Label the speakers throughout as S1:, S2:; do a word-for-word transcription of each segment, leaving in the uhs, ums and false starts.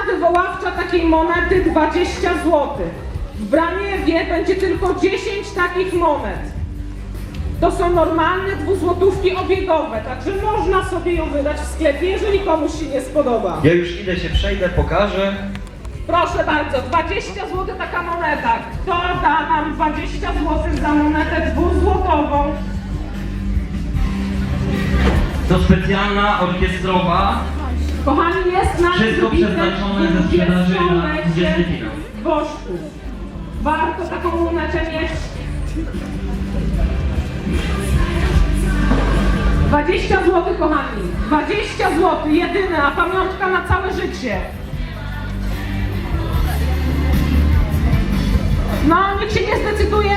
S1: wywoławcza takiej monety dwadzieścia złotych. W Braniewie będzie tylko dziesięć takich monet. To są normalne dwuzłotówki obiegowe, także można sobie ją wydać w sklepie, jeżeli komuś się nie spodoba.
S2: Ja już idę się przejdę, pokażę.
S1: Proszę bardzo, dwadzieścia złotych taka moneta. Kto da nam dwadzieścia złotych za monetę dwuzłotową?
S2: To specjalna orkiestrowa.
S1: Kochani, jest na
S2: Wszystko przeznaczone ze sprzedaży na dwudziesty finał.
S1: Bożków. Warto taką monetę mieć. dwadzieścia złotych, kochani. dwadzieścia złotych, jedyne, a pamiątka na całe życie. No, nikt się nie zdecyduje?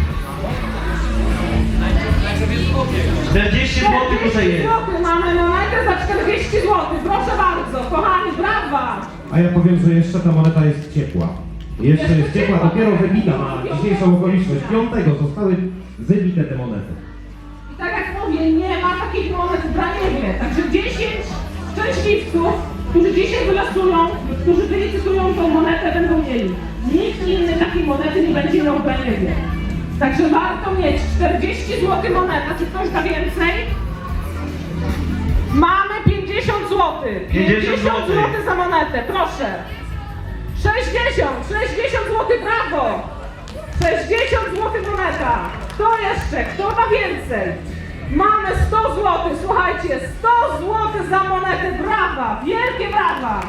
S2: czterdzieści złotych tutaj jest.
S1: złotych mamy monetę za czterdzieści złotych. Proszę bardzo, kochani, brawa!
S3: A ja powiem, że jeszcze ta moneta jest ciepła. Jeszcze jest ciepła, dopiero wybita na dzisiejszą okoliczność. Piątego zostały wybite te monety.
S1: I tak jak mówię, nie ma takich monet w Braniewie. Także dziesięć szczęśliwców, którzy dzisiaj wylosują, którzy wylicytują tą monetę, będą mieli. Nikt inny takiej monety nie będzie miał w Braniewie. Także warto mieć czterdzieści złotych moneta. Czy ktoś da więcej? Mamy pięćdziesiąt złotych.
S2: pięćdziesiąt złotych
S1: złotych za monetę, proszę. sześćdziesiąt, sześćdziesiąt złotych, brawo! sześćdziesiąt złotych moneta. Kto jeszcze? Kto da więcej? Mamy sto złotych, słuchajcie, sto złotych za monetę, brawa! Wielkie brawa!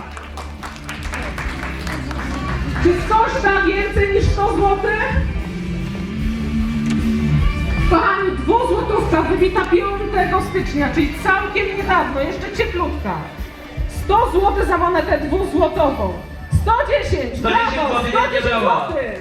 S1: Czy ktoś da więcej niż sto złotych? Kochani, dwuzłotówka wybita piątego stycznia, czyli całkiem niedawno, jeszcze cieplutka. sto złotych za monetę dwuzłotową. sto dziesięć,
S2: sto dziesięć
S1: brawo,
S2: złotych,
S1: sto
S2: wielkie
S1: dziesięć
S2: brawa.
S1: złotych.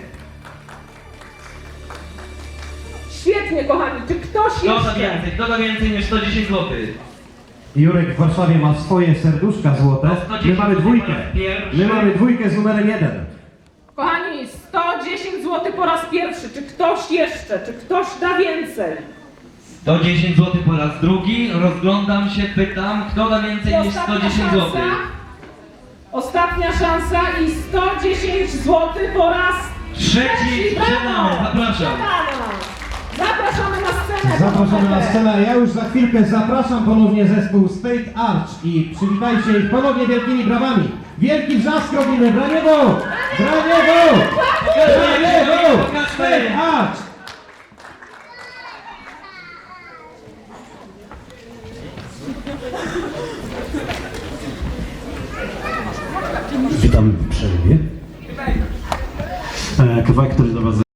S1: Świetnie, kochani, czy ktoś
S2: Kto da
S1: jeszcze?
S2: więcej? Kto da więcej niż sto dziesięć złotych?
S3: Jurek w Warszawie ma swoje serduszka złote. My mamy dwójkę. My mamy dwójkę z numerem jeden.
S1: Kochani, sto dziesięć złotych po raz pierwszy. Czy ktoś jeszcze? Czy ktoś da więcej?
S2: sto dziesięć złotych po raz drugi. Rozglądam się, pytam, kto da więcej niż sto dziesięć złotych?
S1: Ostatnia szansa i sto dziesięć złotych po raz
S2: Trzeci
S1: brawo!
S2: sprzedamy, zapraszam.
S1: Sprzedano. Zapraszamy na scenę.
S3: Zapraszamy na scenę, a ja już za chwilkę zapraszam ponownie zespół State Arch i przywitajcie ich ponownie wielkimi brawami. Wielki wrzask robimy, Braniewo! Braniewo! Braniewo! State Arch!
S4: Witam w przerwie. E, Kawałek, który do Was